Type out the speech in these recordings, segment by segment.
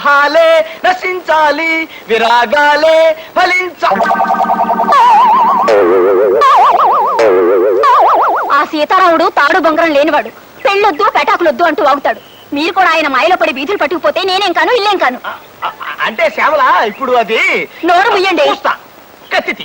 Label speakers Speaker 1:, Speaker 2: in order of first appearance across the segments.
Speaker 1: విరహాలే నశించాలి, విరాగాలే ఫలించాలి.
Speaker 2: ఆ సీతారాముడు తాడు బొంగరం లేనివాడు. పెళ్ళొద్దు పెటాకులొద్దు అంటూ వాగుతాడు. మీరు కూడా ఆయన మాయలో పడి బీతులు పట్టుకుపోతే నేనేం కాను ఇల్లేం కాను.
Speaker 1: అంటే శ్యామల ఇప్పుడు అది
Speaker 2: నోరు ముయ్యండి.
Speaker 1: కత్తి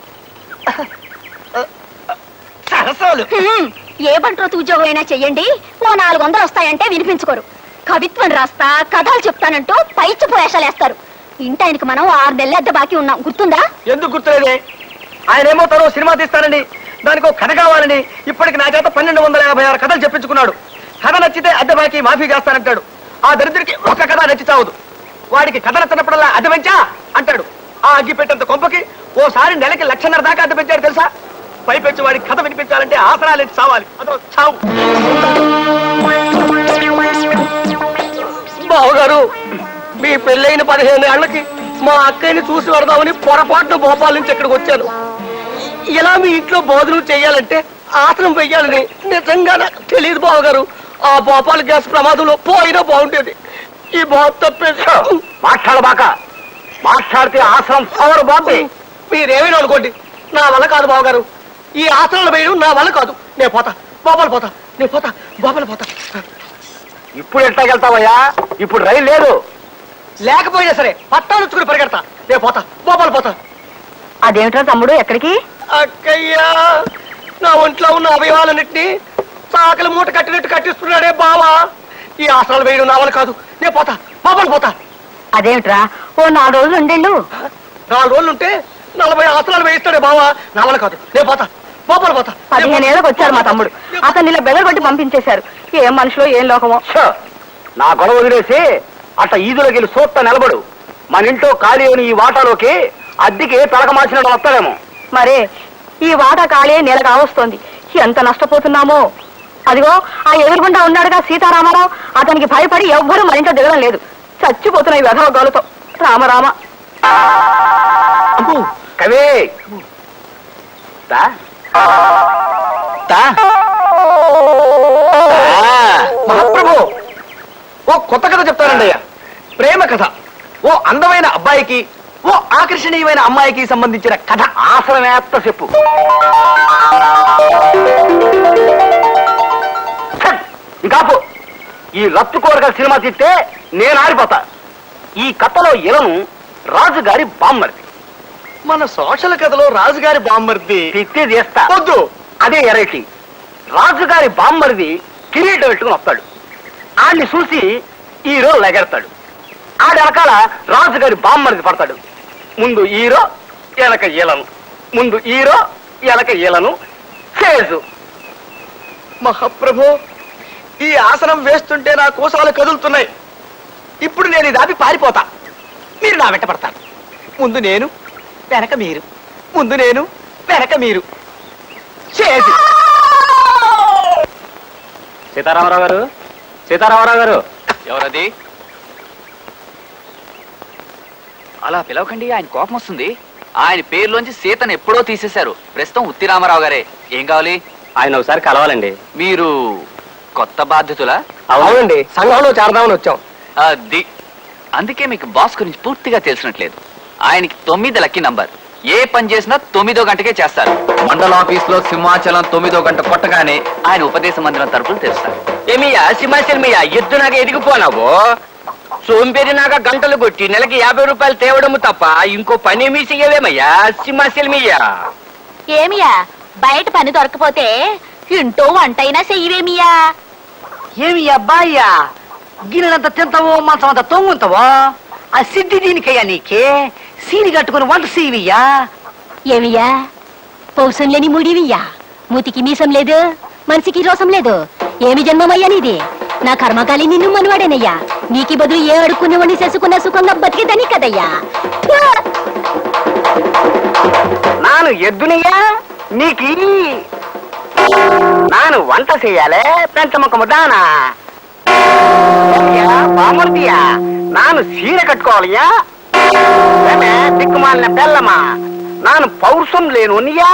Speaker 1: సరసాలు.
Speaker 2: ఏ బంట్రోతు ఉద్యోగం అయినా చెయ్యండి, ఓ 400 వస్తాయంటే వినిపించుకోరు. కవిత్వం రాస్తా కథలు చెప్తానంటూ పైచి వేషాలేస్తారు. ఇంటాయనకి మనం 6 నెలల అద్దె బాకీ ఉన్నాం, గుర్తుందా? ఎందుకు గుర్తులేదే? ఆయన ఏమో తను సినిమా తీస్తానండి, దానికి ఒక కథ కావాలని ఇప్పటికి నా చేత 1256 కథలు చెప్పించుకున్నాడు. కథ నచ్చితే అద్దె బాకీ మాఫీ చేస్తానంటాడు. ఆ దరిద్రుడికి ఒక కథ నచ్చి చావదు. వాడికి కథ నచ్చినప్పుడల్లా అద్దె పెంచా అంటాడు. ఆ అగ్గి పెట్టేంత కొంపకి ఓసారి నెలకి 1,50,000 దాకా అద్దె పెంచాడు తెలుసా? పైపెచ్చి వాడికి కథ వినిపించాలంటే ఆసరాలు చావాలి. అదో చావు. బావగారు, మీ పెళ్ళైన 15 ఏళ్లకి మా అక్కయ్యని చూసి వరదామని పొరపాటున భోపాల నుంచి ఇక్కడికి వచ్చాను. ఇలా మీ ఇంట్లో భోజనం చెయ్యాలంటే ఆసనం వెయ్యాలని నిజంగా నాకు తెలియదు బావగారు. ఆ భోపాల్ గ్యాస్ ప్రమాదంలో పోయినా బాగుండేది. ఈ బాబు తప్పేసి మాట్లాడబాక. మాట్లాడితే ఆసనం పవర్ బాబే. మీరేమైనా అనుకోండి, నా వల్ల కాదు బావగారు. ఈ ఆసనాలు వేయడం నా వల్ల కాదు. నేను పోతా, బాబాలు పోతా, నేను పోతా, బాబాలు పోతా. ఇప్పుడు ఎట్లాగెళ్తావయ్యా? ఇప్పుడు రైలు లేదు. లేకపోయినా సరే పట్టాలుచ్చుకుని పరిగెడతా. నేను పోతా, బాబాలు పోతా. అదేమిట్రా తమ్ముడు, ఎక్కడికి?
Speaker 1: అక్కయ్యా, నా ఒంట్లో ఉన్న అవయవాలన్నింటినీ చాకలి మూట కట్టినట్టు కట్టిస్తున్నాడే బావా. ఈ ఆసనాలు వేయడం నా వల్ల కాదు. నేను పోతా, బాబాలు పోతా.
Speaker 2: అదేమిట్రా, ఓ 4 రోజులు ఉండేళ్ళు.
Speaker 1: 4 రోజులు ఉంటే 40 ఆసనాలు వేయిస్తాడే బావా. నా వల్ల కాదు. నేను పోతా, బాబాలు పోతా.
Speaker 2: 15 ఏళ్ళకి వచ్చారు మా తమ్ముడు. అతను ఇలా బెదరగొట్టి పంపించేశారు. ఏం మనుషులో ఏం లోకమో.
Speaker 1: నా గొడవ వదిలేసి అట్లా ఈదులోకి వెళ్ళి సూత్త నిలబడు. మన ఇంట్లో ఖాళీ అయిన ఈ వాటాలోకి అద్దెకి తలక మార్చినట్టు వస్తాడేమో.
Speaker 2: మరే ఈ వాటా ఖాళీ నెల కావస్తోంది. ఎంత నష్టపోతున్నామో. అదిగో ఆ ఎదురుగుండా ఉన్నాడుగా సీతారామారావు, అతనికి భయపడి ఎవ్వరూ మన ఇంట్లో దిగడం లేదు. చచ్చిపోతున్నాయి వెధవ గోలతో. రామరామ.
Speaker 1: కవి మహాప్రభు, ఓ కొత్త కథ చెప్తానండి అయ్యా. ప్రేమ కథ. ఓ అందమైన అబ్బాయికి, ఓ ఆకర్షణీయమైన అమ్మాయికి సంబంధించిన కథ. ఆసనమేత్త చెప్పు. ఇంకాపు. ఈ లత్తు కోరగల సినిమా తీస్తే నేను ఆరిపోతా. ఈ కథలో ఇలను రాజుగారి బామ్మర్ది. మన సోషల్ కథలో రాజుగారి బామ్మర్ది తిత్తి చేస్తా. వద్దు, అదే ఎరైటీ. రాజుగారి బామ్మర్ది కిరీటం పెట్టుకుని వస్తాడు. ఆడిని చూసి హీరో లెగెడతాడు. ఆడి వెనకాల రాజుగారి బామ్మర్ది పడతాడు. ముందు హీరో, ఎలక ఈలను. ముందు హీరో, ఎలక ఈలను. చేజు. మహాప్రభు, ఈ ఆసనం వేస్తుంటే నా కోసాలు కదులుతున్నాయి. ఇప్పుడు నేను ఇది ఆపి పారిపోతా. మీరు నా వెంట పడతారు. ముందు నేను, వెనక మీరు. ముందు నేను, వెనక మీరు. చేజు.
Speaker 3: సీతారామరావు గారు, సీతారామరావు గారు. ఎవరది? అలా పిలవకండి, ఆయన కోపం వస్తుంది. ఆయన పేరులోంచి సీతను ఎప్పుడో తీసేశారు. ప్రస్తుతం ఉత్తి రామారావు గారే. ఏం కావాలి?
Speaker 1: ఆయన ఒకసారి కలవాలండి.
Speaker 3: మీరు కొత్త బాధ్యతలా?
Speaker 1: అవునండి, సంఘంలో చేరదామని వచ్చాం.
Speaker 3: అది అందుకే మీకు బాస్ గురించి పూర్తిగా తెలిసినట్లేదు. ఆయనకి 9 లక్కీ నంబర్. ఏ పని చేసినా 9వ గంటకే చేస్తారు. మండల ఆఫీస్ లో సింహాచలం 9వ గంట కొట్టగానే ఆయన ఉపదేశ మందిరం తరపులు తెస్తారు.
Speaker 1: ఏమియా సింహాచలం మీయా ఎద్దు నాక ఎదిగిపోనావు. సోంపేరి నాక గంటలు కొట్టి నెలకి 50 రూపాయలు తేవడము తప్ప ఇంకో పని ఏమీ చెయ్యవేమయ్యా సింహాచలం మీయా.
Speaker 2: ఏమియా, బయట పని దొరకపోతే ఇంటో వంటైనా చెయ్యవేమియా?
Speaker 4: ఏమి అబ్బాయ్యా, గిన్నెలంత తింటావో మంచం అంత తొంగుంటావో? ఆ సిద్ధి దీనికయ్యా నీకే. సీని కట్టుకుని వంట సీవియ్యా.
Speaker 2: ఏమియా, పౌసం లేని ముడివియ్యా. మూతికి మీసం లేదు, మనిషికి రోసం లేదు. ఏమి జన్మమయ్యా నీది? నా కర్మకాలి నిన్ను మనవాడేనయ్యా. నీకి బదులు ఏ అడుక్కునేవాడిని చేసుకున్న సుఖంగా బతికేదని కదయ్యా.
Speaker 4: నాను ఎద్దునియా నీకి. నాను వంట చెయ్యాలే పెంచముఖము దానా. బామర్దియా, నాను సీర కట్టుకోవాలయ్యా. దిక్కుమాలిన బెల్లమా, నాను పౌరుషం లేనునియా.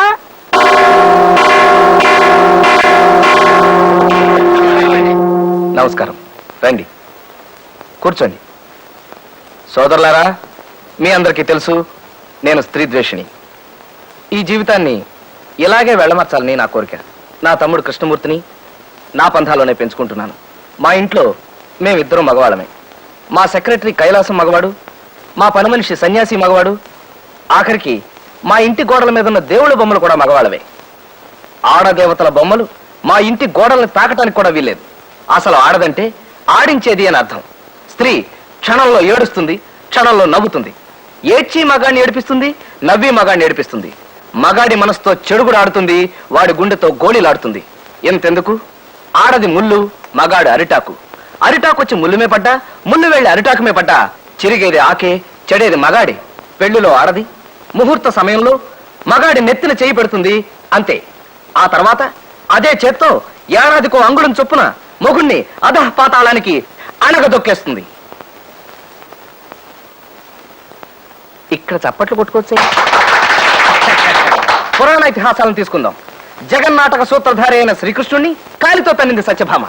Speaker 1: నమస్కారం. రండి, కూర్చోండి. సోదరులారా, మీ అందరికీ తెలుసు నేను స్త్రీ ద్వేషిని. ఈ జీవితాన్ని ఇలాగే వెళ్ళమర్చాలని నా కోరిక. నా తమ్ముడు కృష్ణమూర్తిని నా పంథాలోనే పెంచుకుంటున్నాను. మా ఇంట్లో మేమిద్దరం మగవాళ్ళమే. మా సెక్రటరీ కైలాసం మగవాడు, మా పని మనిషి సన్యాసి మగవాడు, ఆఖరికి మా ఇంటి గోడల మీద ఉన్న దేవుళ్ళ బొమ్మలు కూడా మగవాళ్ళవే. ఆడదేవతల బొమ్మలు మా ఇంటి గోడల్ని తాకటానికి కూడా వీల్లేదు. అసలు ఆడదంటే ఆడించేది అని అర్థం. స్త్రీ క్షణంలో ఏడుస్తుంది, క్షణంలో నవ్వుతుంది. ఏడ్చి మగాడిని ఏడిపిస్తుంది, నవ్వి మగాడిని ఏడిపిస్తుంది. మగాడి మనసుతో చెడుగుడు ఆడుతుంది, వాడి గుండెతో గోళీలాడుతుంది. ఎంతెందుకు, ఆడది ముళ్ళు, మగాడు అరిటాకు. అరిటాకు వచ్చి ముళ్ళుమే పడ్డా, ముళ్ళు వెళ్ళి అరిటాకుమే పడ్డా చిరిగేది ఆకే, చెడేది మగాడి. పెళ్లిలో ఆడది ముహూర్త సమయంలో మగాడి నెత్తిన చేయి పెడుతుంది, అంతే. ఆ తర్వాత అదే చేత్తో ఏడాదికో అంగుళం చొప్పున మొగుణ్ణి అధః పాతాళానికి అణగదొక్కేస్తుంది. ఇక్కడ చప్పట్లు కొట్టుకోవచ్చే. పురాణ ఇతిహాసాలను తీసుకుందాం. జగన్నాటక సూత్రధారి అయిన శ్రీకృష్ణుణ్ణి కాలితో తన్నింది సత్యభామ.